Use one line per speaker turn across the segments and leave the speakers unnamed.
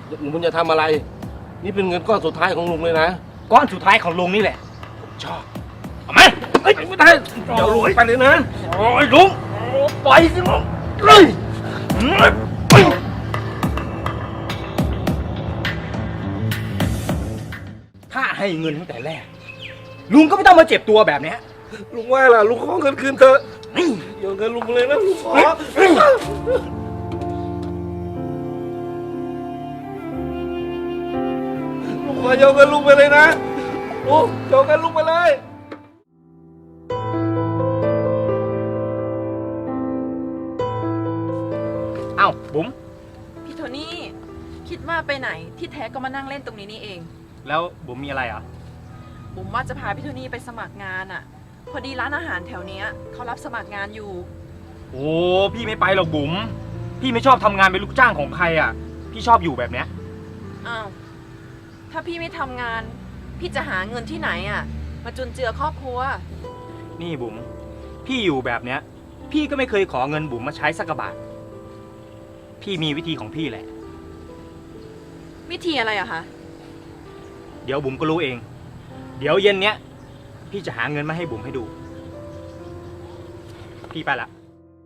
ลุงจะทำอะไร นี่เป็นเงินก้อนสุดท้ายของลุงเลยนะ
ก้อนสุดท้ายของลุงนี่แหละผมชอบเอามา
เฮ้ยไม่ได้เดี๋ยวลุงไปเลยนะ
โอ้ยลุงปล่อยสิลุงเลย ถ้าให้เงินตั้งแต่แรกลุงก็ไม่ต้องมาเจ็บตัวแบบเนี้ย
ลุงว่าล่ะลุงขอเงินคืนเถอะเดี๋ยวเงินลุงเลยนะลุงขอลุงขอโยนเงินลุงไปเลยนะลุงโยนเงินลุงไปเลย
เอ้าบุ๋ม
พี่โทนี่คิดว่าไปไหนที่แท้ก็มานั่งเล่นตรงนี้นี่เอง
แล้วบุ๋มมีอะไรอ่ะ
บุ๋มว่าจะพาพี่โทนี่ไปสมัครงานอ่ะ พอดีร้านอาหารแถวเนี้ยเขารับสมัครงานอยู่
โอ้พี่ไม่ไปหรอกบุ๋มพี่ไม่ชอบทำงานเป็นลูกจ้างของใครอ่ะพี่ชอบอยู่แบบเนี้ย
อ้าวถ้าพี่ไม่ทำงาน พี่จะหาเงินที่ไหนอ่ะมาจุนเจือครอบครัว
นี่บุ๋มพี่อยู่แบบเนี้ยพี่ก็ไม่เคยขอเงินบุ๋มมาใช้สักกระบาทพี่มีวิธีของพี่แหละ
วิธีอะไรอะคะ
เดี๋ยวบุ๋มก็รู้เอง เดี๋ยวเย็นเนี้ยพี่จะหาเงินมาให้บุ๋มให้ดู พี่ไปละ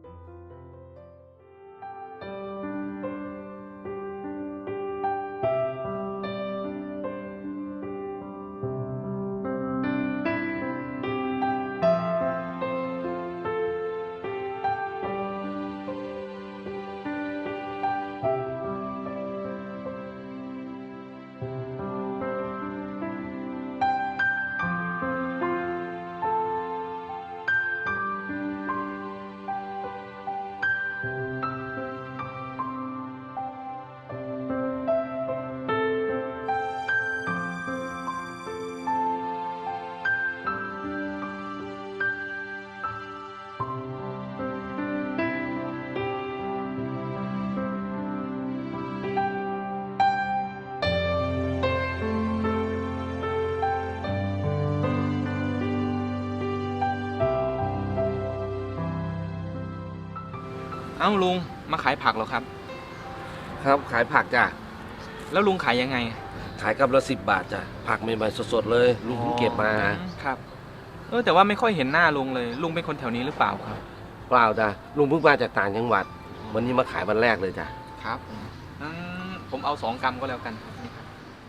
เอ้าลุงมาขายผักเหรอครับ
ครับขายผักจ้ะ
แล้วลุงขายยังไง
ขายกับละ10 บาทจ้ะผักใหม่ๆสดๆเลยลุงเพิ่งเก็บมา
ครับแต่ว่าไม่ค่อยเห็นหน้าลุงเลยลุงเป็นคนแถวนี้หรือเปล่าครับ
เปล่าจ้ะลุงเพิ่งมาจากต่างจังหวัดวันนี้มาขายวันแรกเลยจ้ะ
ครับผมเอา2 กรัมก็แล้วกันครับนี่ครับ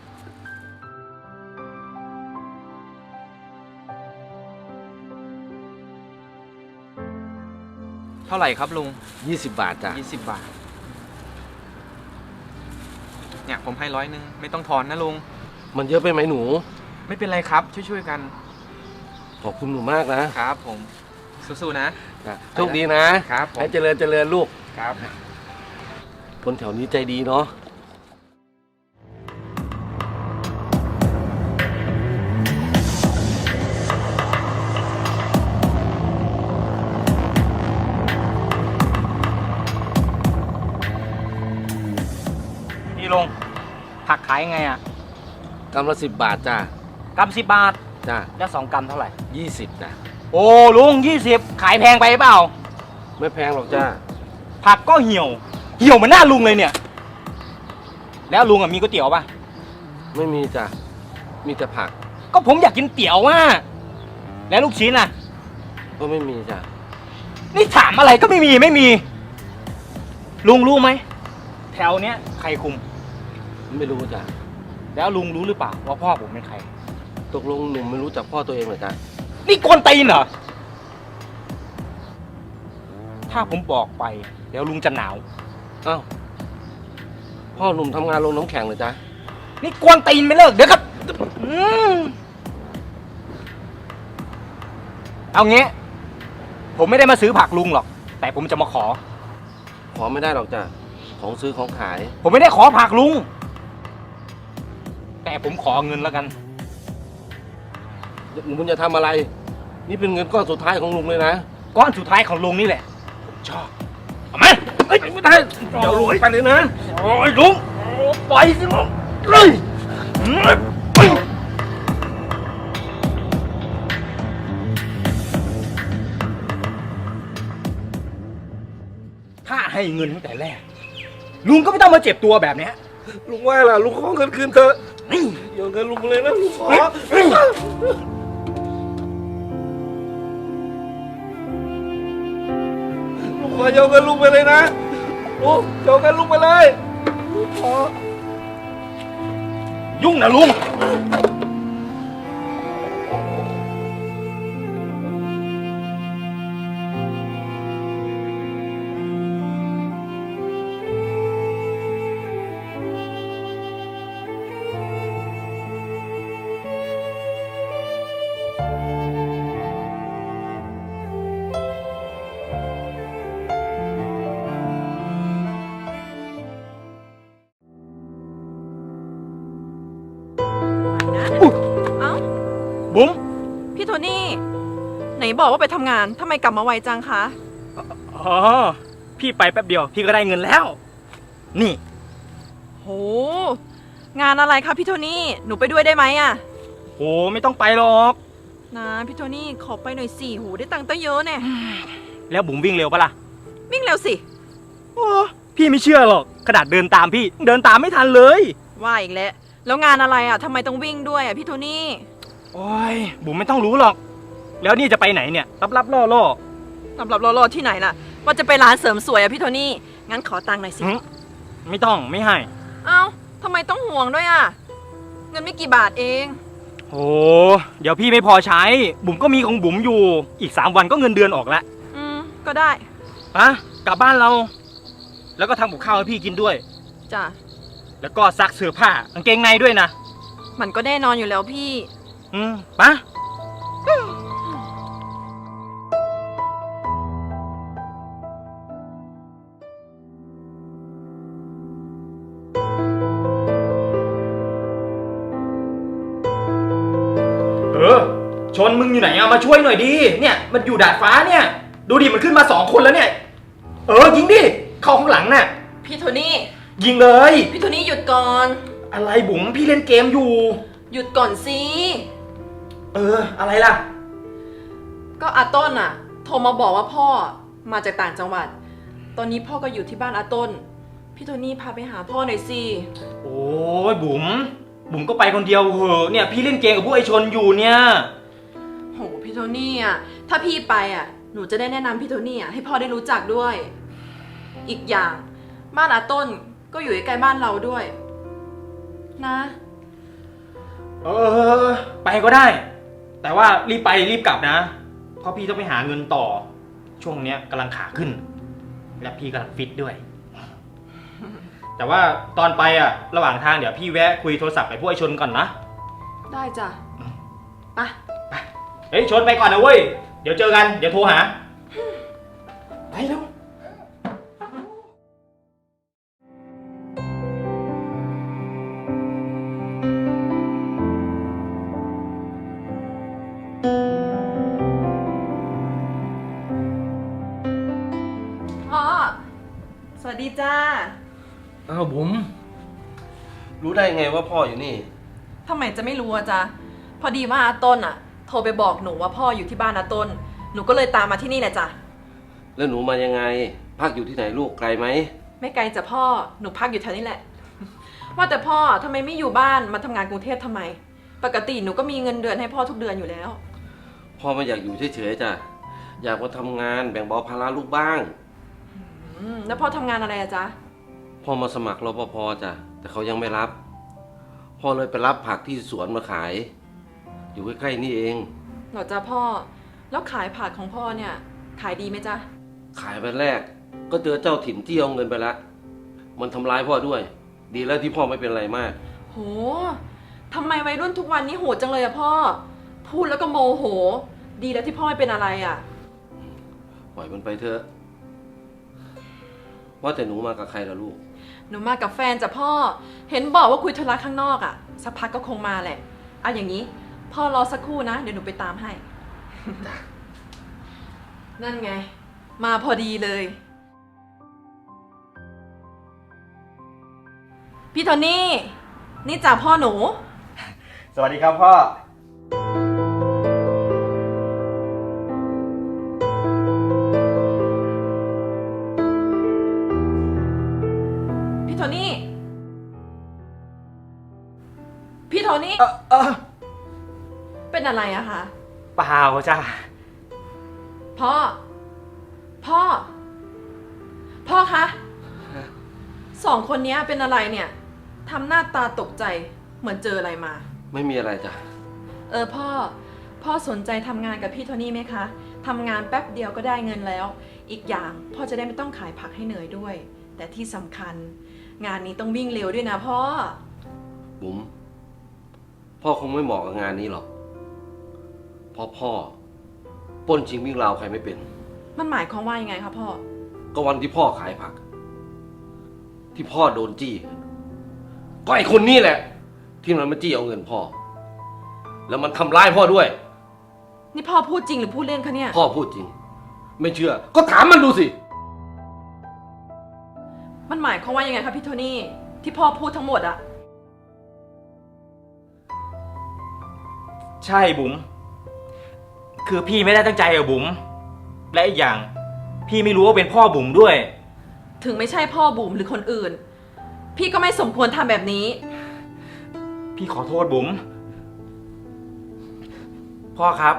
เท่าไหร่ครับลุง
20 บาทจ้ะ
20 บาทเนี่ยผมให้100ไม่ต้องทอนนะลุง
มันเยอะไปไหมหนู
ไม่เป็นไรครับช่วยๆกัน
ขอบคุณหนูมากนะครับ
ผมสู้ๆนะ
จ้ะโชคดีนะครับ
ผม
ให้เจริญลูก
ครับ
คนแถวนี้ใจดีเนาะ
นี่ลุงผักขายยังไงอ่ะ
กำละ10 บาทจ้ะ
กำ10 บาท
จ้ะ
แล้ว2 กรัมเท่าไหร่
20จ้ะ
โอ้ลุง20ขายแพงไปเปล่า
ไม่แพงหรอกจ้ะ
ผักก็เหี่ยวเหมือนหน้าลุงเลยเนี่ย แล้วลุงอ่ะมีก๋วยเตี๋ยวป่ะ
ไม่มีจ้ะมีแต่ผัก
ก็ผมอยากกินเตี๋ยวว่ะแล้วลูกชิ้นอ่ะ
ก็ไม่มีจ้ะ
นี่ถามอะไรก็ไม่มีลุงรู้ไหมแถวเนี้ยใครคุม
ไม่รู้จ้ะ
แล้วลุงรู้หรือเปล่าว่าพ่อผมเป็นใคร
ตกลงหนุ่มไม่รู้จักพ่อตัวเองเหรอจ้ะ
นี่กวนตีนเหรอถ้าผมบอกไปเดี๋ยวลุงจะหนาว
อ้าวพ่อหนุ่มทำงานโรงน้ำแข็งเหรอจ๊ะ
นี่กวนตีนไม่เลิกเดี๋ยวครับเอางี้ผมไม่ได้มาซื้อผักลุงหรอกแต่ผมจะมาขอ
ขอไม่ได้หรอกจ้ะของซื้อของขาย
ผมไม่ได้ขอผักลุงแต่ผมขอเงินแล้วกัน
ลุงจะทำอะไร นี่เป็นเงินก้อนสุดท้ายของลุงเลยนะ
ก้อนสุดท้ายของลุงนี่แหละผมชอบเอามา
เฮ้ยไม่ได้เดี๋ยวลุงไปเลยนะ
โอ้ยลุงปล่อยสิลุงเลย ถ้าให้เงินตั้งแต่แรกลุงก็ไม่ต้องมาเจ็บตัวแบบเนี้ย
ลุงว่าล่ะลุงขอเงินคืนเถอะโยนเงินลุงมาเลยนะลุงขอลุงขอโยนเงินลุงไปเลยนะลุงโยนเงินลุงไปเลยลุงขอ
ยุ่งนะลุง
เอ้า
บุ๋ม
พี่โทนี่ ไหนบอกว่าไปทำงานทำไมกลับมาไวจังคะ
อ๋อ พี่ไปแป๊บเดียว พี่ก็ได้เงินแล้ว นี่
โห งานอะไรคะพี่โทนี่ หนูไปด้วยได้ไหมอะ
โห ไม่ต้องไปหรอก
นะพี่โทนี่ขอไปหน่อยสิโหได้ตังค์ตั้งเยอะเนี่ย
แล้วบุ๋มวิ่งเร็วปะล่ะ
วิ่งเร็วสิ
โอ้พี่ไม่เชื่อหรอกขนาดเดินตามพี่ เดินตามไม่ทันเลย
ว่าอีกแล้ว แล้วงานอะไรอะทำไมต้องวิ่งด้วยอะพี่โทนี่
โอ้ย บุ๋มไม่ต้องรู้หรอก แล้วนี่จะไปไหนเนี่ย รับล่อ
สำหรับรอที่ไหนล่ะ ว่าจะไปร้านเสริมสวยอะพี่โทนี่ งั้นขอตังค์หน่อยสิ
ไม่ต้องไม่ให้
เอ้าทำไมต้องห่วงด้วยอะเงินไม่กี่บาทเอง
โอ้เดี๋ยวพี่ไม่พอใช้ บุ๋มก็มีของบุ๋มอยู่ อีก3 วันก็เงินเดือนออกแล้ว
ก็ได้
ปะกลับบ้านเรา แล้วก็ทำกับข้าวให้พี่กินด้วย
จ้ะ
แล้วก็ซักเสื้อผ้ากางเกงในด้วยนะ
มันก็แน่นอนอยู่แล้วพี่
ปะชนมึงอยู่ไหนอะมาช่วยหน่อยดิเนี่ยมันอยู่ดาดฟ้าเนี่ย ดูดิมันขึ้นมา2 คนแล้วเนี่ย ยิงดิเข้าข้างหลังน่ะ
พี่โทนี่
ยิงเลย
พี่โทนี่หยุดก่อน
อะไรบุ๋มพี่เล่นเกมอยู่
หยุดก่อนสิ
อะไรล่ะ
ก็อาต้นอะโทรมาบอกว่าพ่อมาจากต่างจังหวัด ตอนนี้พ่อก็อยู่ที่บ้านอาต้น พี่โทนี่พาไปหาพ่อหน่อยสิ
โอ้ยบุ๋มก็ไปคนเดียวเหอะเนี่ยพี่เล่นเกมกับพวกไอชนอยู่เนี่ย
โหพี่โทนี่อะถ้าพี่ไปอะหนูจะได้แนะนำพี่โทนี่อะให้พ่อได้รู้จักด้วย อีกอย่างบ้านอาต้นก็อยู่ใกล้ๆบ้านเราด้วย นะ
ไปก็ได้ แต่ว่ารีบไปรีบกลับนะเพราะพี่ต้องไปหาเงินต่อ ช่วงเนี้ยกำลังขาขึ้น และพี่กำลังฟิตด้วย แต่ว่าตอนไปอะระหว่างทางเดี๋ยวพี่แวะคุยโทรศัพท์กับพวกไอชนก่อนนะ
ได้จ้ะไป
เฮ้ยชนไปก่อนนะเว้ยเดี๋ยวเจอกันเดี๋ยวโทรหาไปแล้ว
พ่อ สวัสดีจ้า
อ้าวบุ๋มรู้ได้ไงว่าพ่ออยู่นี่
ทำไมจะไม่รู้อะจ๊ะ พอดีว่าอาต้นอะโทรไปบอกหนูว่าพ่ออยู่ที่บ้านอาต้น หนูก็เลยตามมาที่นี่แหละจ้ะ
แล้วหนูมายังไงพักอยู่ที่ไหนลูกไกลไหม
ไม่ไกลจ้ะพ่อ หนูพักอยู่แถวนี้แหละ ว่าแต่พ่อทำไมไม่อยู่บ้านมาทำงานกรุงเทพทำไม ปกติหนูก็มีเงินเดือนให้พ่อทุกเดือนอยู่แล้ว
พ่อไม่อยากอยู่เฉยๆจ้ะอยากมาทำงานแบ่งเบาภาระลูกบ้าง
แล้วพ่อทำงานอะไรอะจ๊ะ
พ่อมาสมัครรปภจ้ะแต่เขายังไม่รับ พ่อเลยไปรับผักที่สวนมาขาย อยู่ใกล้ๆนี่เอง
เหรอจ๊ะพ่อ แล้วขายผักของพ่อเนี่ยขายดีไหมจ๊ะ
ขายวันแรก ก็เจอเจ้าถิ่นที่เอาเงินไปละมันทำร้ายพ่อด้วย ดีแล้วที่พ่อไม่เป็นไรมาก
โหทำไมวัยรุ่นทุกวันนี้โหดจังเลยอะพ่อ พูดแล้วก็โมโห ดีแล้วที่พ่อไม่เป็นอะไรอะ
ปล่อยมันไปเถอะว่าแต่หนูมากับใครล่ะลูก
หนูมากับแฟนจ้ะพ่อ เห็นบอกว่าคุยธุระข้างนอกอะสักพักก็คงมาแหละเอาอย่างนี้ พ่อรอสักครู่นะ เดี๋ยวหนูไปตามให้ นั่นไง มาพอดีเลย พี่โทนี่ นี่จ่าพ่อหนู
สวัสดีครับพ่อ
พี่โทนี่โทนี่ เป็นอะไรอะคะ
เปล่าจ้า
พ่อ พ่อ พ่อคะสองคนนี้เป็นอะไรเนี่ยทำหน้าตาตกใจเหมือนเจออะไรมา
ไม่มีอะไรจ้ะ
พ่อสนใจทำงานกับพี่โทนี่ไหมคะทำงานแป๊บเดียวก็ได้เงินแล้ว อีกอย่างพ่อจะได้ไม่ต้องขายผักให้เหนื่อยด้วย แต่ที่สำคัญ งานนี้ต้องวิ่งเร็วด้วยนะพ่อ
บุ๋มพ่อคงไม่เหมาะกับงานนี้หรอกเพราะพ่อปล้นชิงวิ่งราวใครไม่เป็น
มันหมายความว่ายังไงคะพ่อ
ก็วันที่พ่อขายผัก ที่พ่อโดนจี้ ก็ไอคนนี้แหละ ที่มันมาจี้เอาเงินพ่อ แล้วมันทำร้ายพ่อด้วย
นี่พ่อพูดจริงหรือพูดเล่นคะเนี่ย
พ่อพูดจริง ไม่เชื่อ ก็ถามมันดูสิ
มันหมายความว่ายังไงคะพี่โทนี่ที่พ่อพูดทั้งหมดอะ
ใช่บุ๋มคือพี่ไม่ได้ตั้งใจอะบุ๋มและอีกอย่าง พี่ไม่รู้ว่าเป็นพ่อบุ๋มด้วย
ถึงไม่ใช่พ่อบุ๋มหรือคนอื่น พี่ก็ไม่สมควรทำแบบนี้
พี่ขอโทษบุ๋มพ่อครับ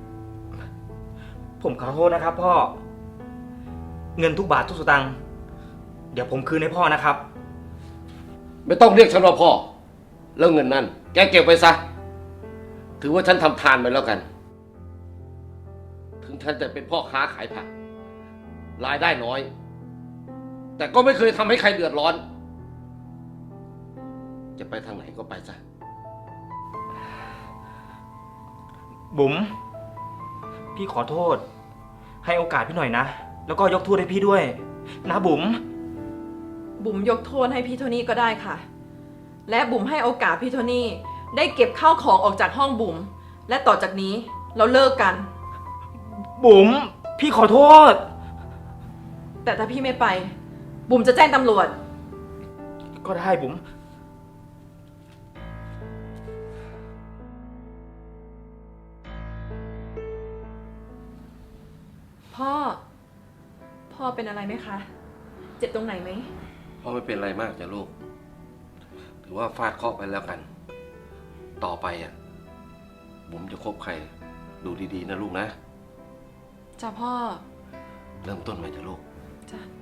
ผมขอโทษนะครับ พ่อ เงินทุกบาททุกสตางค์เดี๋ยวผมคืนให้พ่อนะครับ
ไม่ต้องเรียกฉันว่าพ่อ แล้วเงินนั่นแกเก็บไว้ซะ ถือว่าฉันทำทานไปแล้วกัน ถึงฉันจะเป็นพ่อค้าขายผัก รายได้น้อย แต่ก็ไม่เคยทำให้ใครเดือดร้อน จะไปทางไหนก็ไปซะ
บุ๋มพี่ขอโทษ ให้โอกาสพี่หน่อยนะ แล้วก็ยกโทษให้พี่ด้วย นะบุ๋ม
บุ๋มยกโทษให้พี่โทนี่ก็ได้ค่ะ และบุ๋มให้โอกาสพี่โทนี่ได้เก็บข้าวของออกจากห้องบุ๋มและต่อจากนี้เราเลิกกัน
บุ๋มพี่ขอโทษ
แต่ถ้าพี่ไม่ไป บุ๋มจะแจ้งตำรวจ
ก็ได้บุ๋ม
พ่อเป็นอะไรไหมคะ เจ็บตรงไหนไหม
พ่อไม่เป็นไรมากจ้ะลูก ถือว่าฟาดเคราะห์ไปแล้วกัน ต่อไปอ่ะ บุ๋มจะคบใคร ดูดีๆนะลูกนะ
จ้าพ่อ
เริ่มต้นใหม่จ้ะลูก
จ้า